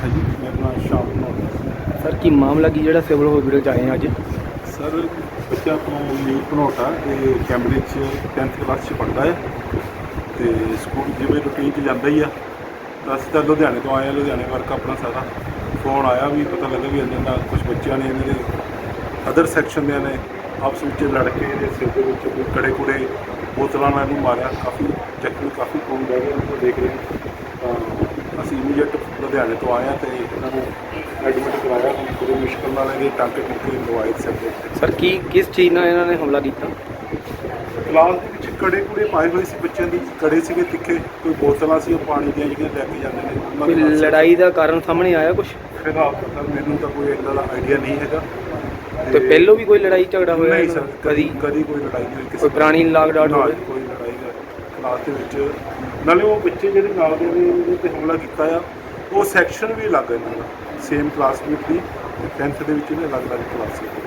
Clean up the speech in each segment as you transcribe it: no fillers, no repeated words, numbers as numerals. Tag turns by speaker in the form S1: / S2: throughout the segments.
S1: हाँ जी, मेरा नाम शाम भनोटा।
S2: सर की मामला की जो सिविल हॉस्पिटल आए हैं अज?
S1: सर बच्चा अपना लीव भनोटा ये कैंब्रिज 10th क्लास पढ़ता है तो स्कूल जिमें रूटीन जाता ही है। तो अस तो लुधियाने तो आए हैं, लुधियाने वर्क अपना सारा फोन आया भी पता लगा भी इन्होंने कुछ बच्चों ने इन्होंने अदर सैक्शन ने आपस में लड़के सिर के कोई कड़े कुड़े बोतलों ने मारिया, काफ़ी जख्मी काफ़ी खून बह गया उनको देख रहे हैं। ਅਸੀਂ ਇਮੀਡੀਏਟ ਲੁਧਿਆਣੇ ਤੋਂ ਆਏ ਹਾਂ ਤੇ ਇਹਨਾਂ ਨੂੰ ਐਡਮਿਟ ਕਰਾਇਆ। ਬੜੀ ਮੁਸ਼ਕਲ ਨਾਲ ਇਹਦੇ ਟਾਂਕੇ ਟੁੱਕੇ ਲਵਾਏ ਸਕਦੇ।
S2: ਸਰ ਕੀ ਕਿਸ ਚੀਜ਼ ਨਾਲ ਇਹਨਾਂ ਨੇ ਹਮਲਾ ਕੀਤਾ?
S1: ਕਲਾਸ ਦੇ ਵਿੱਚ ਕੜੇ ਕੁੜੇ ਪਾਏ ਹੋਏ ਸੀ ਬੱਚਿਆਂ ਦੀ, ਕੜੇ ਸੀਗੇ ਤਿੱਖੇ, ਕੋਈ ਬੋਤਲਾਂ ਸੀ ਉਹ ਪਾਣੀ ਦੀਆਂ ਜਿਹੜੀਆਂ ਲੈ ਕੇ ਜਾਂਦੇ ਨੇ ਉਹਨਾਂ
S2: ਕੋਈ
S1: ਦੇ ਨਾਲ
S2: ਲੜਾਈ ਦਾ ਕਾਰਨ ਸਾਹਮਣੇ ਆਇਆ ਕੁਝ?
S1: ਫਿਲਹਾਲ ਤਾਂ ਮੈਨੂੰ ਤਾਂ ਕੋਈ ਇਹਨਾਂ ਦਾ ਆਈਡੀਆ ਨਹੀਂ ਹੈਗਾ।
S2: ਤੇ ਪਹਿਲੋਂ ਵੀ ਕੋਈ ਲੜਾਈ ਝਗੜਾ ਹੋਇਆ?
S1: ਨਹੀਂ ਸਰ,
S2: ਕਦੀ
S1: ਕਦੀ ਕੋਈ ਲੜਾਈ ਨਹੀਂ ਹੋਈ ਕਿਸੇ
S2: ਕੋਈ ਪੁਰਾਣੀ ਲਾਗ ਡਾਟ
S1: ਨਾਲ,
S2: ਹੋਵੇ?
S1: ਕੋਈ ਲੜਾਈ ਕਲਾਸ ਦੇ ਵਿੱਚ। ਨਾਲੇ ਉਹ ਬੱਚੇ ਜਿਹੜੇ ਨਾਲ ਦੇ ਨੇ ਉਹਦੇ ਤੇ ਹਮਲਾ ਕੀਤਾ ਆ, ਉਹ ਸੈਕਸ਼ਨ ਵੀ ਅਲੱਗ ਇਹਨਾਂ ਦਾ, ਸੇਮ ਕਲਾਸਮੇਟ ਦੀ 10th ਦੇ ਵਿੱਚ ਇਹਨੇ ਅਲੱਗ-ਅਲੱਗ ਕਲਾਸ ਦੇ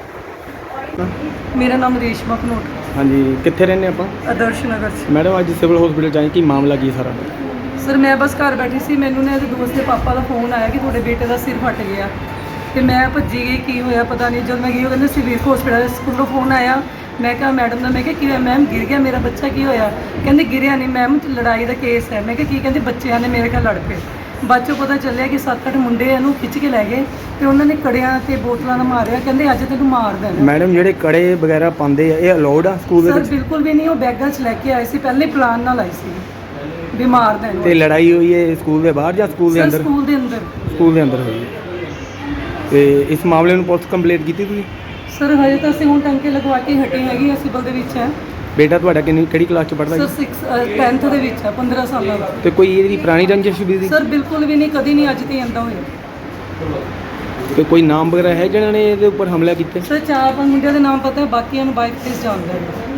S1: ਵਿੱਚ।
S3: ਮੇਰਾ ਨਾਮ ਰੇਸ਼ਮਾ ਭਨੋਟ,
S2: ਹਾਂਜੀ, ਕਿੱਥੇ ਰਹਿੰਦੇ ਆਪਾਂ?
S3: ਆਦਰਸ਼ ਨਗਰ 'ਚ।
S2: ਮੈਡਮ ਅੱਜ ਸਿਵਲ ਹਸਪੀਟਲ ਜਾਏ, ਕੀ ਮਾਮਲਾ ਕੀ ਸਾਰਾ?
S3: ਸਰ ਮੈਂ ਬਸ ਘਰ ਬੈਠੀ ਸੀ, ਮੈਨੂੰ ਨਾ ਇਹਦੇ ਦੋਸਤ ਦੇ ਪਾਪਾ ਦਾ ਫੋਨ ਆਇਆ ਕਿ ਤੁਹਾਡੇ ਬੇਟੇ ਦਾ ਸਿਰ ਫਟ ਗਿਆ ਤੇ ਮੈਂ ਭੱਜੀ ਗਈ, ਕੀ ਹੋਇਆ ਪਤਾ ਨਹੀਂ। ਜਦ ਮੈਂ ਗਈ ਉਹ ਕਹਿੰਦੇ ਸਿਵਲ ਹਸਪੀਟਲ ਸਕੂਲੋਂ ਫੋਨ ਆਇਆ। ਮੈਂ ਕਿਹਾ ਮੈਡਮ ਦਾ, ਮੈਂ ਕਿਹਾ ਕੀ ਹੋਇਆ ਮੈਮ? ਗਿਰ ਗਿਆ ਮੇਰਾ ਬੱਚਾ, ਕੀ ਹੋਇਆ? ਕਹਿੰਦੇ ਗਿਰਿਆ ਨਹੀਂ ਮੈਮ, ਲੜਾਈ ਦਾ ਕੇਸ ਹੈ। ਮੈਂ ਕਿਹਾ ਕੀ? ਕਹਿੰਦੇ ਬੱਚਿਆਂ ਨੇ ਮੇਰੇ ਖਿਆਲ ਲੜ ਪਏ। ਬਾਅਦ 'ਚੋਂ ਪਤਾ ਚੱਲਿਆ ਕਿ 7-8 ਮੁੰਡੇ ਇਹਨੂੰ ਖਿੱਚ ਕੇ ਲੈ ਗਏ ਤੇ ਉਹਨਾਂ ਨੇ ਕੜਿਆਂ ਤੇ ਬੋਤਲਾਂ ਨਾਲ ਮਾਰਿਆ। ਕਹਿੰਦੇ ਅੱਜ ਤੈਨੂੰ ਮਾਰ ਦੇਣਾ।
S2: ਮੈਡਮ ਜਿਹੜੇ ਕੜੇ ਵਗੈਰਾ ਪਾਉਂਦੇ ਆ ਇਹ ਅਲਾਉਡ ਆ ਸਕੂਲ ਦੇ
S3: ਸਰ
S2: ਵਿੱਚ?
S3: ਬਿਲਕੁਲ ਵੀ ਨਹੀਂ, ਉਹ ਬੈਗਾਂ 'ਚ ਲੈ ਕੇ ਆਏ ਸੀ, ਪਹਿਲੇ ਪਲਾਨ ਨਾਲ ਆਏ ਸੀ ਵੀ ਮਾਰ ਦੇਣ।
S2: ਤੇ ਲੜਾਈ ਹੋਈ ਹੈ ਸਕੂਲ ਦੇ ਬਾਹਰ ਜਾਂ ਸਕੂਲ ਦੇ
S3: ਸਰ
S2: ਅੰਦਰ?
S3: ਸਕੂਲ ਦੇ ਅੰਦਰ।
S2: ਸਕੂਲ ਦੇ ਅੰਦਰ ਹੋਈ ਹੈ। ਤੇ ਇਸ ਮਾਮਲੇ ਨੂੰ ਪੁਲਿਸ ਕੰਪਲੇਂਟ ਕੀਤੀ ਤੁਸੀਂ?
S3: ਸਰ ਹਜੇ ਤਾਂ ਅਸੀਂ ਹੁਣ ਟੰਕੇ ਲਗਵਾ ਕੇ ਹਟੇ ਹੈਗੇ ਆ, ਸਿਵਲ ਦੇ ਵਿੱਚ ਹੈ।
S2: ਬੇਟਾ ਤੁਹਾਡਾ ਕਿਹੜੀ ਕਲਾਸ 'ਚ ਪੜ੍ਹਦਾ
S3: ਸਰ
S2: ਜੀ?
S3: 10th ਦੇ ਵਿੱਚ ਹੈ, 15 ਸਾਲਾਂ ਦਾ।
S2: ਤੇ ਕੋਈ ਇਹਦੀ ਪੁਰਾਣੀ ਰੰਜਿਸ਼ ਵੀ ਸੀ?
S3: ਸਰ ਬਿਲਕੁਲ ਵੀ ਨਹੀਂ, ਕਦੀ ਨਹੀਂ, ਅੱਜ ਤੇ ਆਂਦਾ ਹੋਇਆ।
S2: ਤੇ ਕੋਈ ਨਾਮ ਵਗੈਰਾ ਹੈ ਜਿਹਨਾਂ ਨੇ ਇਹਦੇ ਉੱਪਰ ਹਮਲਾ ਕੀਤਾ?
S3: ਸਰ 4-5 ਮੁੰਡਿਆਂ ਦੇ ਨਾਮ ਪਤਾ ਹੈ, ਬਾਕੀਆਂ ਨੂੰ ਬਾਈਕ ਤੇ ਜਾਣਦਾ ਹੈ।